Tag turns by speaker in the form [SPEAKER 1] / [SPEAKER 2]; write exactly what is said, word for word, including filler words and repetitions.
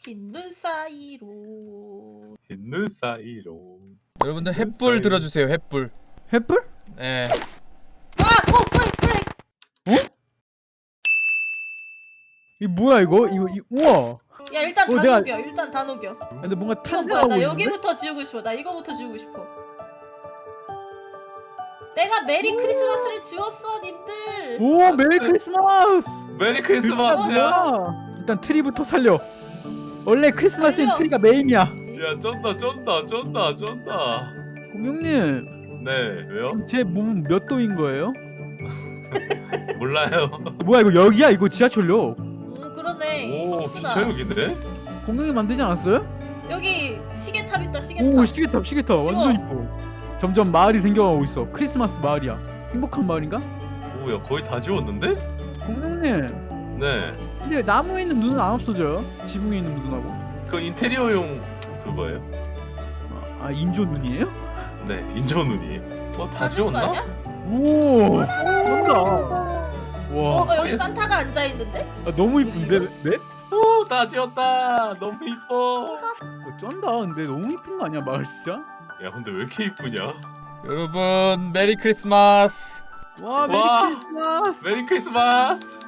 [SPEAKER 1] 흰눈 사이로
[SPEAKER 2] 흰눈 사이로.
[SPEAKER 3] 여러분들
[SPEAKER 2] 흰눈
[SPEAKER 3] 횃불
[SPEAKER 2] 사이로.
[SPEAKER 3] 들어주세요. 횃불.
[SPEAKER 4] 횃불?
[SPEAKER 3] 예.
[SPEAKER 1] 아! 어! 브레이크! 브레이크!
[SPEAKER 4] 이 뭐야 이거? 이거 이, 우와.
[SPEAKER 1] 야 일단
[SPEAKER 4] 어,
[SPEAKER 1] 다
[SPEAKER 4] 내가-
[SPEAKER 1] 녹여 일단 다 녹여.
[SPEAKER 4] 근데 뭔가
[SPEAKER 1] 이거 뭐야
[SPEAKER 4] 탄생하고
[SPEAKER 1] 나
[SPEAKER 4] 있는데?
[SPEAKER 1] 여기부터 지우고 싶어. 나 이거부터 지우고 싶어. 내가 메리 크리스마스를 지웠어 님들.
[SPEAKER 4] 오 메리 크리스마스.
[SPEAKER 2] 메리
[SPEAKER 4] 아,
[SPEAKER 2] 크리스마스야.
[SPEAKER 4] 뭐야? 일단 트리부터 살려. 원래 크리스마스엔
[SPEAKER 1] 살려.
[SPEAKER 4] 트리가 메인이야.
[SPEAKER 2] 야 쩐다 쩐다 쩐다 쩐다.
[SPEAKER 4] 공룡님,
[SPEAKER 2] 네 왜요?
[SPEAKER 4] 제 몸은 몇 도인 거예요?
[SPEAKER 2] 몰라요.
[SPEAKER 4] 뭐야 이거 여기야? 이거 지하철역.
[SPEAKER 1] 음 그러네.
[SPEAKER 2] 오
[SPEAKER 1] 이쁘다.
[SPEAKER 2] 기차역이네.
[SPEAKER 4] 공룡이 만들지 않았어요?
[SPEAKER 1] 여기 시계탑 있다 시계탑.
[SPEAKER 4] 오 시계탑 시계탑
[SPEAKER 1] 지워.
[SPEAKER 4] 완전 이뻐. 점점 마을이 생겨가고 있어. 크리스마스 마을이야. 행복한 마을인가?
[SPEAKER 2] 오야 거의 다 지웠는데?
[SPEAKER 4] 공룡님,
[SPEAKER 2] 네.
[SPEAKER 4] 근데 나무에 있는 눈은 안 없어져요? 지붕에 있는 눈하고.
[SPEAKER 2] 그 인테리어용 그거예요?
[SPEAKER 4] 아 인조 눈이에요?
[SPEAKER 2] 네 인조 눈이에요. 어다
[SPEAKER 1] 다 지운 거
[SPEAKER 2] 지웠나?
[SPEAKER 1] 아니야?
[SPEAKER 4] 오 잘한다. 와
[SPEAKER 1] 어 여기 산타가 앉아 있는데?
[SPEAKER 4] 아, 너무 이쁜데 네?
[SPEAKER 2] 오다 지웠다. 너무 이뻐.
[SPEAKER 4] 어, 쩐다. 근데 너무 이쁜 거 아니야 마을 진짜?
[SPEAKER 2] 야 근데 왜 이렇게 이쁘냐?
[SPEAKER 3] 여러분 메리 크리스마스.
[SPEAKER 4] 와 메리
[SPEAKER 2] 와.
[SPEAKER 4] 크리스마스.
[SPEAKER 2] 메리 크리스마스.